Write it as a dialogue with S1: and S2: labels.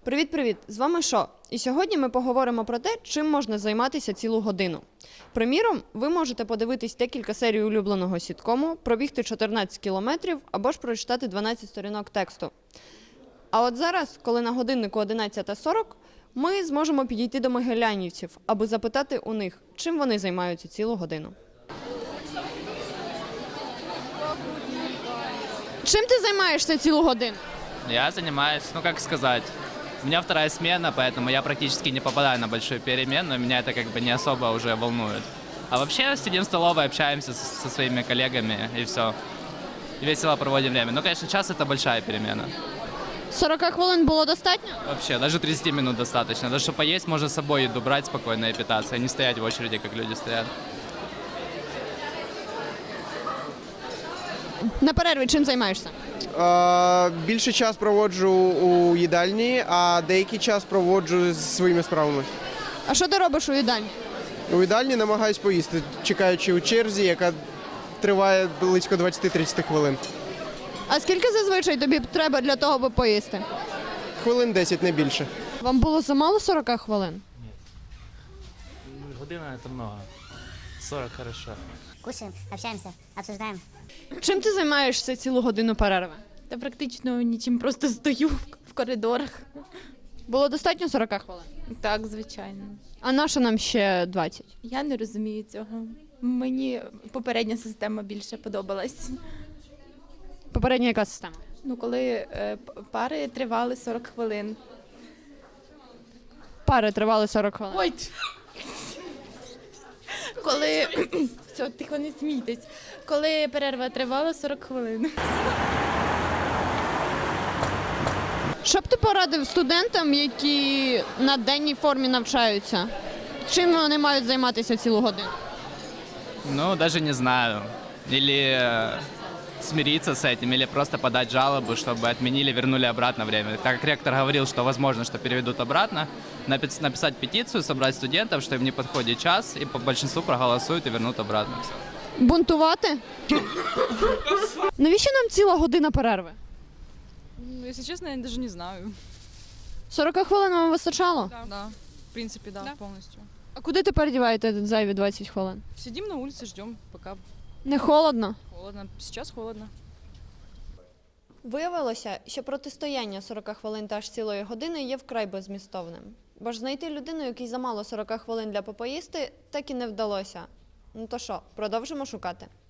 S1: Привіт-привіт! З вами Шо. І сьогодні ми поговоримо про те, чим можна займатися цілу годину. Приміром, ви можете подивитись декілька серій улюбленого сіткому, пробігти 14 кілометрів або ж прочитати 12 сторінок тексту. А от зараз, коли на годиннику 11:40, ми зможемо підійти до могилянівців, аби запитати у них, чим вони займаються цілу годину. Чим ти займаєшся цілу годину?
S2: Я занимаюсь, как сказать, у меня вторая смена, поэтому я практически не попадаю на большую перемену, меня это как бы не особо уже волнует. А вообще сидим в столовой, общаемся со своими коллегами и все. Весело проводим время. Ну, конечно, час это большая перемена.
S1: 40 хвилин було достатньо?
S2: Вообще, даже 30 минут достаточно. Даже чтобы поесть, можно с собой еду брать спокойно и питаться, а не стоять в очереди, как люди стоят.
S1: На перерві чим займаєшся?
S3: Більше час проводжу у їдальні, а деякий час проводжу з своїми справами.
S1: А що ти робиш у їдальні?
S3: У їдальні намагаюсь поїсти, чекаючи у черзі, яка триває близько 20-30 хвилин.
S1: А скільки зазвичай тобі треба для того, аби поїсти?
S3: Хвилин 10, не більше.
S1: Вам було замало 40 хвилин?
S4: Година это много. 40 хорошо.
S5: Кушаем, общаемся, обсуждаем.
S1: Чим ти займаєшся цілу годину перерви?
S6: Та практично нічим, просто стою в коридорах.
S1: Було достатньо 40 хвилин?
S6: Так, звичайно.
S1: А наша нам ще 20?
S6: Я не розумію цього. Мені попередня система більше подобалась.
S1: Попередня яка система?
S6: Ну, коли пари тривали 40 хвилин.
S1: Пари тривали 40 хвилин.
S6: Ой! Коли... Все, тихо, не смійтесь. Коли перерва тривала 40 хвилин.
S1: Що б ти порадив студентам, які на денній формі навчаються? Чим вони мають займатися цілу годину?
S2: Ну, даже не знаю. Или смириться с этим, или просто подать жалобу, чтобы отменили, вернули обратно время. Так как ректор говорил, что возможно, что переведут обратно, написать петицию, собрать студентов, что им не подходит час, и по большинству проголосуют и вернут обратно.
S1: Бунтувати? Навіщо нам ціла година перерви?
S7: Ну, если честно, я даже не знаю.
S1: 40 хвилин вам вистачало?
S7: Да. В принципе, да, полностью.
S1: А куди тепер діваєте зайві 20 хвилин?
S7: Сидим на улице, ждем, пока
S1: Не холодно?
S7: холодно. Сейчас холодно.
S1: Виявилося, що протистояння 40 хвилин та аж цілої години є вкрай беззмістовним. Бо ж знайти людину, якій замало 40 хвилин для попоїсти, так і не вдалося. Ну то що, продовжимо шукати?